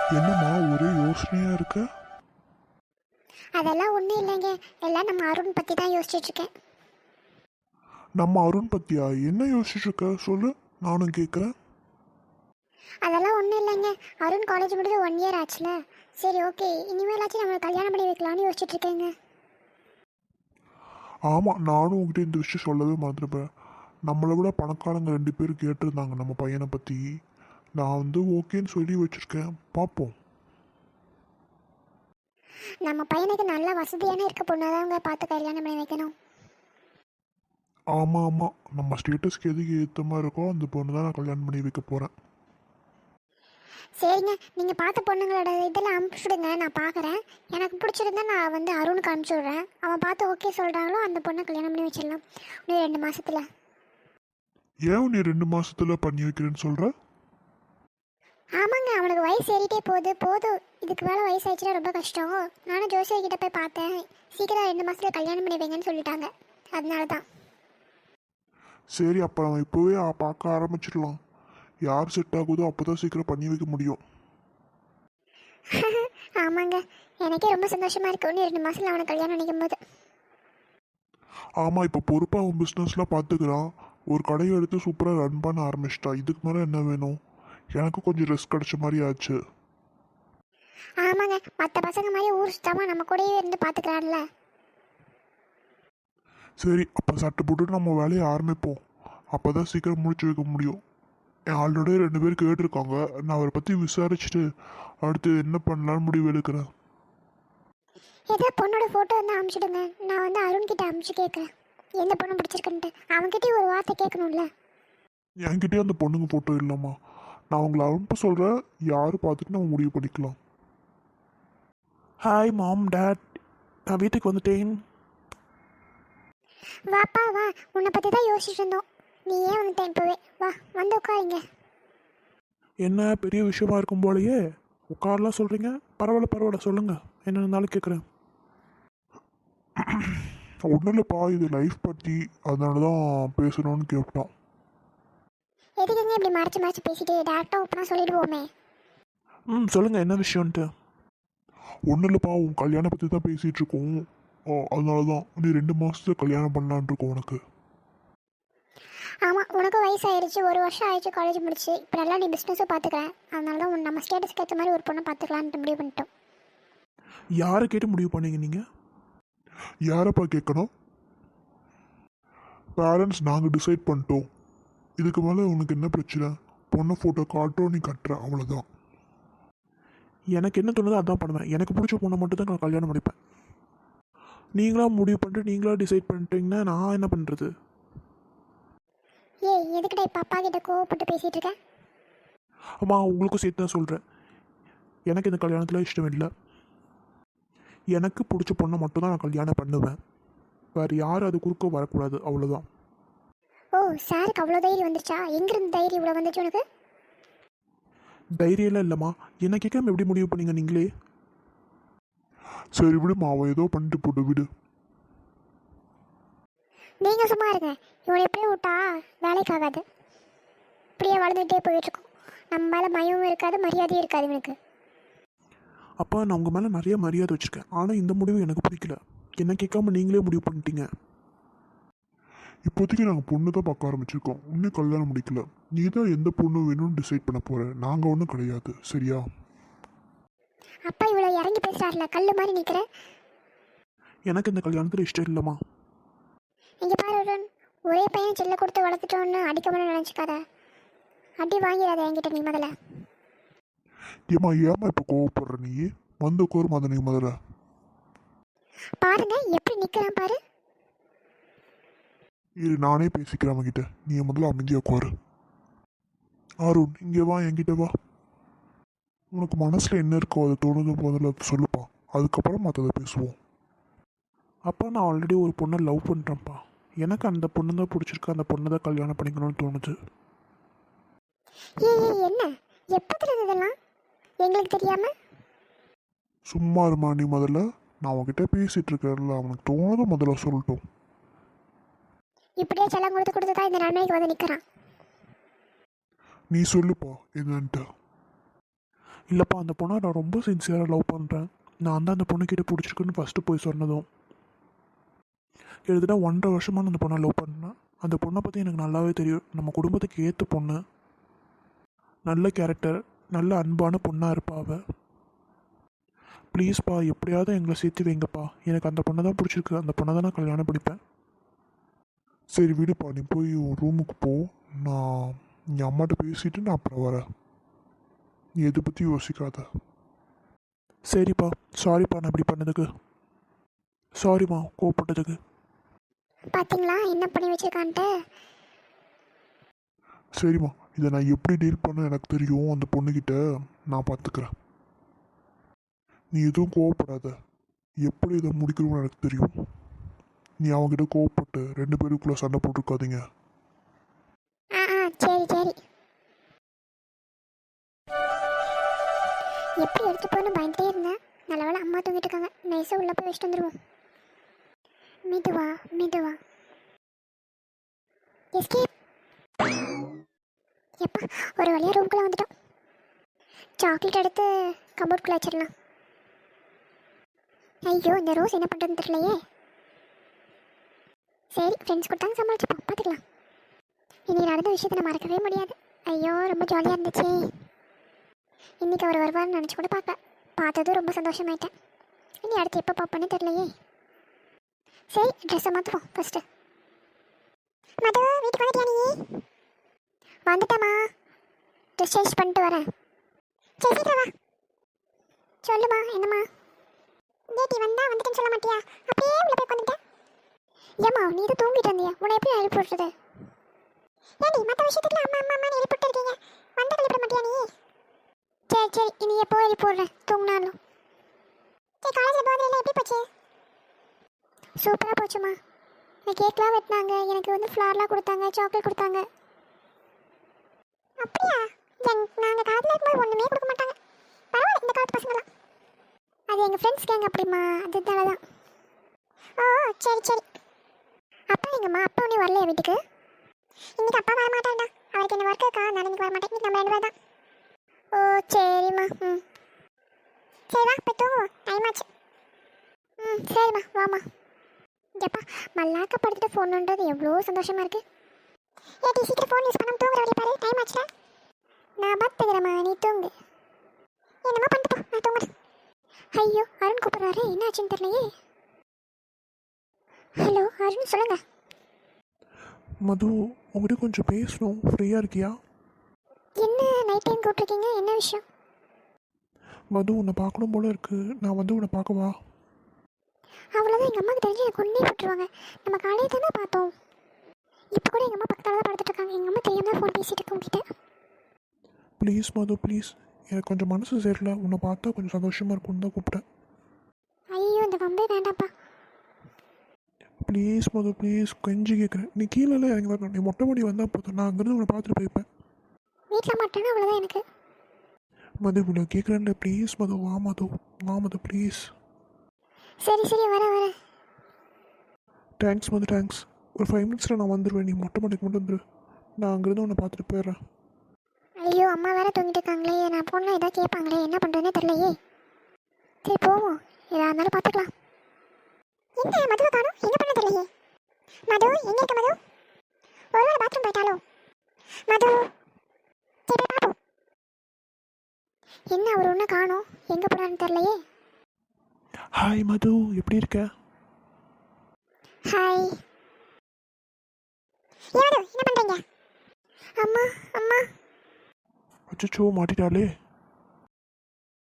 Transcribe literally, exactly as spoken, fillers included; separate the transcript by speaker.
Speaker 1: என்னம்மா ஒரே யோசனையா இருக்க?
Speaker 2: அதெல்லாம் ஒன்றும் இல்லைங்க. எல்லாம் நம்ம அருண் பற்றி தான் யோசிச்சுட்டு இருக்கேன்.
Speaker 1: நம்ம அருண் பத்தியா என்ன யோசிச்சுட்டு இருக்க சொல்லு, நானும் கேட்குறேன்.
Speaker 2: அதெல்லாம் ஒன்றும் இல்லைங்க. அருண் காலேஜ் முடிஞ்சு ஒன் இயர் ஆச்சுல. சரி, ஓகே, இனிமேலாச்சும் நம்ம கல்யாணம் பண்ணி வைக்கலாம்னு யோசிச்சுட்டு இருக்கேங்க.
Speaker 1: ஆமாம், நானும் உங்ககிட்ட இந்த விஷயம் சொல்லவே மறந்துருப்பேன். நம்மளை விட பணக்காரங்க ரெண்டு பேர் கேட்டிருந்தாங்க நம்ம பையனை பற்றி. நான் வந்து ஓகேன்னு சொல்லி வச்சுருக்கேன், பார்ப்போம்.
Speaker 2: நம்ம பையனுக்கு நல்ல வசதியான இருக்க பொண்ணாதாங்க பார்த்து கல்யாணம் பண்ணி வைக்கணும்.
Speaker 1: ஆமாம் ஆமாம், நம்ம ஸ்டேட்டஸ்க்கு எதுக்கு ஏற்ற மாதிரி இருக்கோ அந்த பொண்ணு தான் நான் கல்யாணம் பண்ணி வைக்க போகிறேன்.
Speaker 2: சரிங்க, நீங்கள் பார்த்த பொண்ணுங்களோட இதெல்லாம் அனுப்பிச்சுடுங்க, நான் பார்க்குறேன். எனக்கு பிடிச்சிருந்தா நான் வந்து அருணுக்கு அனுப்பிச்சி விட்றேன். அவன் பார்த்து ஓகே சொல்கிறாங்களோ அந்த பொண்ணை கல்யாணம் பண்ணி வச்சிடலாம் இன்னும் ரெண்டு மாதத்தில்.
Speaker 1: ஏன் நீ ரெண்டு மாசத்துல பண்ணி வைக்கிறேன்னு சொல்கிற?
Speaker 2: ஆமாங்க, அவனுக்கு வயசு ஏறிட்டே போகுது. போதும், இதுக்கு மேலே வயசு ஆயிடுச்சுன்னா ரொம்ப கஷ்டம். நானும் ஜோசியர் கிட்ட போய் பார்த்தேன். சீக்கிரம் ரெண்டு மாதத்தில் கல்யாணம் பண்ணி வைங்கன்னு சொல்லிட்டாங்க. அதனால தான்.
Speaker 1: சரி, அப்போ நம்ம இப்போவே ஆ- பார்க்க ஆரம்பிச்சிடலாம். யார் செட் ஆகுதோ அப்போ தான் சீக்கிரம் பண்ணி வைக்க முடியும்.
Speaker 2: ஆமாங்க, எனக்கே ரொம்ப சந்தோஷமாக இருக்கு இன்னும் ரெண்டு மாதத்தில் அவனை கல்யாணம் நினைக்கும் போது.
Speaker 1: ஆமாம், இப்போ பொறுப்பாக அவன் பிஸ்னஸ்லாம் பார்த்துக்கிறான். ஒரு கடையை எடுத்து சூப்பராக ரன் பண்ண ஆரம்பிச்சிட்டா. இதுக்கு மேலே என்ன வேணும்? எனக்கு கொஞ்சம் ரெஸ்ட் கிடைச்ச மாதிரி ஆச்சு.
Speaker 2: ஆமாங்க, மற்ற பசங்க மாதிரி ஊர் சுத்தாமல் நம்ம கூடயே இருந்து பார்த்துக்கிறான்ல.
Speaker 1: சரி, அப்போ சட்டை போட்டு நம்ம வேலையை ஆரம்பிப்போம். அப்போ தான் சீக்கிரம் முடிச்சு வைக்க முடியும். என் ஆல்ரெடி ரெண்டு பேர் கேட்டிருக்காங்க. நான் அவரை பற்றி விசாரிச்சுட்டு அடுத்து என்ன பண்ணலான்னு முடிவு எடுக்கிறேன்.
Speaker 2: ஏதோ பொண்ணோட ஃபோட்டோ வந்து அனுப்பிச்சிடுங்க. நான் வந்து அருண் கிட்ட அனுப்பிச்சு கேட்குறேன் எந்த பொண்ணு பிடிச்சிருக்குன்ட்டு. அவன்கிட்டயும் ஒரு வார்த்தை கேட்கணும்ல.
Speaker 1: என்கிட்டயே அந்த பொண்ணுங்க ஃபோட்டோ இல்லைம்மா. நான் உங்களை அனுப்ப சொல்கிறேன், யார் பார்த்துட்டு நம்ம முடிவு பண்ணிக்கலாம். ஹாய் மாம், டேட், நான் வீட்டுக்கு வந்துட்டேன்.
Speaker 2: வாப்பா வா, உன்னை பற்றி தான் யோசிச்சுட்டு இருந்தோம். நீ ஏன் வந்துட்டேன் இப்போவே? வா, வந்து உட்காருங்க.
Speaker 1: என்ன பெரிய விஷயமா இருக்கும் போலயே உட்காரலாம் சொல்கிறீங்க. பரவாயில்ல பரவாயில்ல, சொல்லுங்கள், என்ன இருந்தாலும் கேட்குறேன். ஒன்றும் இல்லைப்பா, இது லைஃப் பற்றி, அதனால தான் பேசணும்னு கேட்டோம்.
Speaker 2: எதுக்குங்க இப்படி மறைச்சு மறைச்சு பேசிட்டு டேரக்டாக ஓப்பனாக சொல்லிடுவோமே.
Speaker 1: ம், சொல்லுங்கள், என்ன விஷயம்ன்ட்டு. ஒன்றும் இல்லைப்பா, உன் கல்யாணம் பற்றி தான் பேசிகிட்டு இருக்கோம். ஓ, அதனால தான் நீ ரெண்டு மாதத்துல கல்யாணம் பண்ணலான் இருக்கோம் உனக்கு.
Speaker 2: ஆமாம், உனக்கும் வயசாயிருச்சு, ஒரு வருஷம் ஆயிடுச்சு காலேஜ் முடிச்சு. இப்போ நல்லா நீ பிஸ்னஸும் பார்த்துக்கிறேன். அதனால தான் உன் நம்ம ஸ்டேட்டஸ்க்கு ஏற்ற மாதிரி ஒரு பொண்ணை பார்த்துக்கலான்ட்டு முடிவு பண்ணிட்டோம்.
Speaker 1: யாரை கேட்டு முடிவு பண்ணீங்க நீங்கள்? யாரப்பா கேட்கணும்? பேரண்ட்ஸ் நாங்கள் டிசைட் பண்ணிட்டோம். இதுக்கு மேலே உனக்கு என்ன பிரச்சனை? பொண்ணை ஃபோட்டோ காட்டுறோம், நீ கட்டுற, அவ்வளோதான். எனக்கு என்ன தோணுதோ அதான் பண்ணுவேன். எனக்கு பிடிச்ச பொண்ணை மட்டும் தான் நான் கல்யாணம் பண்ணிப்பேன். நீங்களா முடிவு பண்ணிட்டு நீங்களா டிசைட் பண்ணிட்டீங்கன்னா நான் என்ன பண்ணுறது?
Speaker 2: ஏய், எதுக்கிட்ட இப்போ அப்பா கிட்ட கோவப்பட்டு பேசிகிட்டு இருக்க?
Speaker 1: அம்மா, உங்களுக்கும் சேர்த்து தான் சொல்கிறேன். எனக்கு இந்த கல்யாணத்தில் இஷ்டம் இல்லை. எனக்கு பிடிச்ச பொண்ணை மட்டும் தான் நான் கல்யாணம் பண்ணுவேன். வேறு யாரும் அது குறுக்க வரக்கூடாது, அவ்வளோதான்.
Speaker 2: ஓ, சாருக்கு அவ்வளோ தைரியம் வந்துருச்சா? எங்கேருந்து தைரியம் இவ்வளோ வந்துச்சு உனக்கு?
Speaker 1: தைரியம்லாம் இல்லைம்மா. என்ன கேட்காம எப்படி முடிவு பண்ணீங்க நீங்களே? சரி விடுமா, அவன் ஏதோ பண்ணிட்டு போட்டு விடு.
Speaker 2: நீங்கள் சும்மா இருங்க. இவனை எப்படியே விட்டா வேலைக்கு ஆகாது. இப்படியே வளர்ந்துகிட்டே போயிட்டுருக்கோம். நம்ம மேலே மயமும் இருக்காது, மரியாதையும் இருக்காது இவனுக்கு.
Speaker 1: அப்போ நான் உங்கள் மேலே நிறைய மரியாதை வச்சுருக்கேன். ஆனால் இந்த முடிவு எனக்கு பிடிக்கல. என்ன கேட்காம நீங்களே முடிவு பண்ணிட்டீங்க. இப்போதைக்கு நாங்கள் பொண்ணு தான் பார்க்க ஆரம்பிச்சிருக்கோம். இன்னும் கல்யாணம் முடிக்கல. நீ தான் எந்த பொண்ணு வேணும்னு டிசைட் பண்ண போகிற. நாங்கள் ஒன்றும் கிடையாது, சரியா?
Speaker 2: அப்பா இவ்வளோ இறங்கி பேசுகிறாருல, கல் மாதிரி நிற்கிற.
Speaker 1: எனக்கு இந்த கல்யாணத்தில் இஷ்டம் இல்லைம்மா.
Speaker 2: இங்கே பாரு அருண், ஒரே பையன் செல்ல கொடுத்து வளர்த்துட்டோன்னு அடிக்கணும்னு நினச்சிக்காத. அடி வாங்கிறாத என்கிட்ட நீ முதல்ல.
Speaker 1: ஏம்மா ஏம்மா இப்போ கோவப்படுற நீ? வந்து உட்காரு மதனி முதல்ல.
Speaker 2: பாருங்க எப்படி நிற்கிறான் பாரு.
Speaker 1: இரு, நானே பேசிக்கிறேன் அவன்கிட்ட. நீ முதல்ல அமைதியாக உட்காரு. அருண், இங்கே வா, என்கிட்ட வா. உனக்கு மனசில் என்ன இருக்கோ அதை தோணுது முதல்ல அதை சொல்லுப்பா. அதுக்கப்புறம் மற்றதை பேசுவோம். அப்பா, நான் ஆல்ரெடி ஒரு பொண்ணை லவ் பண்ணுறேன்ப்பா. எனக்கு அந்த பொண்ணு தான் பிடிச்சிருக்கு. அந்த பொண்ணை தான் கல்யாணம் பண்ணிக்கணும்னு தோணுது.
Speaker 2: ஏய் ஏய், என்ன எப்பத்துல இதெல்லாம் எங்களுக்கு தெரியாம?
Speaker 1: சும்மா இருமா நீ முதல்ல. நான் அவன்கிட்ட பேசிகிட்டு இருக்கேன்ல, அவனுக்கு தோணுதை முதல்ல சொல்லட்டும்.
Speaker 2: இப்படியே செல்லம் கொடுத்து கொடுத்து தான் இந்த நன்மைக்கு வந்து நிற்கிறான்.
Speaker 1: நீ சொல்லுப்பா என்னன்ட்டு. இல்லைப்பா, அந்த பொண்ணை நான் ரொம்ப சின்சியராக லவ் பண்ணுறேன். நான் தான் அந்த பொண்ணுக்கிட்ட பிடிச்சிருக்குன்னு ஃபஸ்ட்டு போய் சொன்னதும் கிட்டத்தட்ட ஒன்றரை வருஷமாக நான் அந்த பொண்ணை லவ் பண்ணேன். அந்த பொண்ணை பற்றி எனக்கு நல்லாவே தெரியும். நம்ம குடும்பத்துக்கு ஏற்ற பொண்ணு, நல்ல கேரக்டர், நல்ல அன்பான பொண்ணாக இருப்பா அவ. ப்ளீஸ்ப்பா, எப்படியாவது எங்களை சேர்த்து வைங்கப்பா. எனக்கு அந்த பொண்ணை தான் பிடிச்சிருக்கு. அந்த பொண்ணை தான் நான் கல்யாணம் படிப்பேன். சரி விடுப்பா, நீ போய் உன் ரூமுக்கு போ. நான் என் அம்மாட்ட பேசிட்டு நான் அப்புறம் வரேன். நீ எதை பற்றி யோசிக்காத. சரிப்பா, சாரிப்பா நான் இப்படி பண்ணதுக்கு. சாரிம்மா கோவப்பட்டதுக்கு.
Speaker 2: பார்த்தீங்களா என்ன பண்ணி வச்சிருக்கான்ட்டு.
Speaker 1: சரிம்மா, இதை நான் எப்படி டீல் பண்ண எனக்கு தெரியும். அந்த பொண்ணுக்கிட்ட நான் பார்த்துக்கிறேன். நீ எதுவும் கோவப்படாத. எப்படி இதை முடிக்கணும்னு எனக்கு தெரியும். நீ அவங்ககிட்ட கோவப்பட்டு ரெண்டு பேருக்குள்ளே சண்டை போட்டிருக்காதீங்க.
Speaker 2: ஆ ஆ சரி சரி. எப்படி எடுத்து போகணும் பயந்துட்டே இருந்தேன். நல்ல வேளை அம்மா தூங்கிட்டு இருக்காங்க. நைஸாக உள்ளே போய் வச்சுட்டு வந்துடுவோம். மெதுவா மெதுவா. எஸ்கேப். எப்பா, ஒரு வழியாக ரூம்குள்ளே வந்துட்டோம். சாக்லேட் எடுத்து கபோர்ட்குள்ளே வச்சிடலாம். ஐயோ, இந்த ரோஸ் என்ன பண்ணுறதுன்னு தெரியலையே. சரி, ஃப்ரெண்ட்ஸ் கொடுத்தாங்க, சமாளிச்சுப்போம், பார்த்துக்கலாம். இன்னைக்கு நடந்த விஷயத்தை நான் மறக்கவே முடியாது. ஐயோ, ரொம்ப ஜாலியாக இருந்துச்சு. இன்றைக்கி அவர் வருவார்னு நினச்சி கூட பார்க்க பார்த்ததும் ரொம்ப சந்தோஷமாயிட்டேன். இனி அடுத்து எப்போ பார்ப்பேன்னு தெரியலையே. சரி, ட்ரெஸ்ஸை மாற்றுவோம் ஃபஸ்ட்டு. மது, வீட்டுக்கு வந்துட்டியா நீ? வந்துட்டேம்மா, ட்ரெஸ் சேஞ்ச் பண்ணிட்டு வரேன். சரி சீக்கிரம் வா. சொல்லுமா, என்னம்மா? டேட்டி வந்தா வந்துட்டேன்னு சொல்ல மாட்டியா? அப்படியே உள்ள போய் உட்காந்துட்டேன். ஏம்மா, நீ இது தூங்கிட்டு இருந்தியா? உன்னை எப்படி எழுப்பி விட்டுறது? ஏடி, மற்ற விஷயத்துக்குலாம் அம்மா அம்மா அம்மா எழுப்பி விட்டுருக்கீங்க, வந்தா எழுப்பிட மாட்டியா நீ? சரி சரி, இனி எப்போ எழுப்பி விட்றேன் தூங்கினாலும். சரி, காலேஜில் போகிறதுல எப்படி போச்சு? சூப்பராக போச்சுமா. எனக்கு கேக்லாம் வெட்டினாங்க, எனக்கு வந்து ஃப்ளார்லாம் கொடுத்தாங்க, சாக்லேட் கொடுத்தாங்க. அப்படியா? எங் நாங்கள் காலத்தில் இருக்கும்போது ஒன்றுமே கொடுக்க மாட்டாங்க. பரவாயில்ல, இந்த காலத்து பசங்களாம். அது எங்கள் ஃப்ரெண்ட்ஸ் கேங்க அப்படிமா, அதுதால தான். ஓ சரி சரி. அப்பா எங்கம்மா? அப்பா ஒன்றும் வரலையா வீட்டுக்கு? இன்னைக்கு அப்பா வர மாட்டான்டா. அவருக்கு என்ன ஒர்க் இருக்கா, நான் இன்னைக்கு வர மாட்டேன். இன்னைக்கு நம்ம ரெண்டு பேர் தான். ஓ சரிம்மா. ம் சரி வா, போய் தூங்குவோம், டைம் ஆச்சு. ம் சரிம்மா, வாம்மா. எப்பா, மல்லாக்க படுத்துட்டு ஃபோன் பண்ணுறது எவ்வளோ சந்தோஷமாக இருக்குது. ஏடி, சீக்கிரம் ஃபோன் யூஸ் பண்ணாமல் தூங்குற வழி பாரு, டைம் ஆச்சுல. நான் பார்த்துக்கிறேம்மா, நீ தூங்கு. என்னம்மா பண்ணிட்டு போ, நான் தூங்குறேன். ஐயோ, அருண் கூப்பிட்றாரு, என்ன ஆச்சுன்னு தெரியலையே. ஹலோ அருண், சொல்லுங்க.
Speaker 1: மது, உங்கள்கிட்ட கொஞ்சம் பேசணும். ஃப்ரீயாக இருக்கியா?
Speaker 2: என்ன நைட் டைம் கூப்பிட்ருக்கீங்க, என்ன விஷயம்?
Speaker 1: மது, உன்னை பார்க்கணும் போல இருக்கு. நான் வந்து உன்னை பார்க்கவா?
Speaker 2: அவ்வளோதான், எங்கள் அம்மாவுக்கு தெரிஞ்சு எனக்கு கொண்டே போட்டுருவாங்க. நம்ம காலையில் தானே பார்த்தோம். இப்போ கூட எங்கள் அம்மா பக்கத்தில் தான் படுத்துட்டு இருக்காங்க. எங்கள் அம்மா தெரியாமல் ஃபோன் பேசிட்டு இருக்க உங்ககிட்ட.
Speaker 1: Please Madhu, please. எனக்கு கொஞ்சம் மனசு சரியில்லை. உன்னை பார்த்தா கொஞ்சம் சந்தோஷமாக இருக்கும்னு தான் கூப்பிட்டேன்.
Speaker 2: ஐயோ, இந்த வம்பே வேண்டாம்ப்பா.
Speaker 1: ப்ளீஸ் மது, ப்ளீஸ், கெஞ்சி கேட்குறேன். நீ கீழே இறங்கி வரணும். நீ மொட்டை மாடி வந்தால் போதும், நான் அங்கேருந்து உன்னை பார்த்துட்டு போய்ப்பேன்.
Speaker 2: வீட்டில் மாட்டேன்னா அவ்வளோதான் எனக்கு.
Speaker 1: மது, இவ்வளோ கேட்குறேன்ல, ப்ளீஸ் மது, வா மது, வா மது, ப்ளீஸ்.
Speaker 2: சரி சரி, வரேன் வரேன்.
Speaker 1: Thanks Madhu, thanks. ஒரு ஃபைவ் மினிட்ஸில் நான் வந்துடுவேன். நீ மொட்டை மாடிக்கு மட்டும் வந்துடு. நான் அங்கேருந்து உன்னை பார்த்துட்டு போயிடுறேன்.
Speaker 2: ஐயோ, அம்மா வேற தூங்கிட்டு இருக்காங்களே, நான் போனால் எதாவது கேட்பாங்களே, என்ன பண்ணுறதுனே தெரியலையே. சரி போவோம், எதாக இருந்தாலும் பார்த்துக்கலாம். என்ன மதுவை காணும், என்ன பண்ண தெரியலையே. மது, எங்கே இருக்க மது? ஒரு வேளை பாத்ரூம் போயிட்டாலோ? மது, சரி போய் பார்ப்போம். என்ன அவர் ஒன்றும் காணும், எங்கே போகிறான்னு தெரியலையே.
Speaker 1: ஹாய் மது, எப்படி இருக்க?
Speaker 2: ஹாய். ஏன் மது, என்ன பண்ணுறீங்க? அம்மா அம்மா.
Speaker 1: அச்சோ, மாட்டிட்டாலே.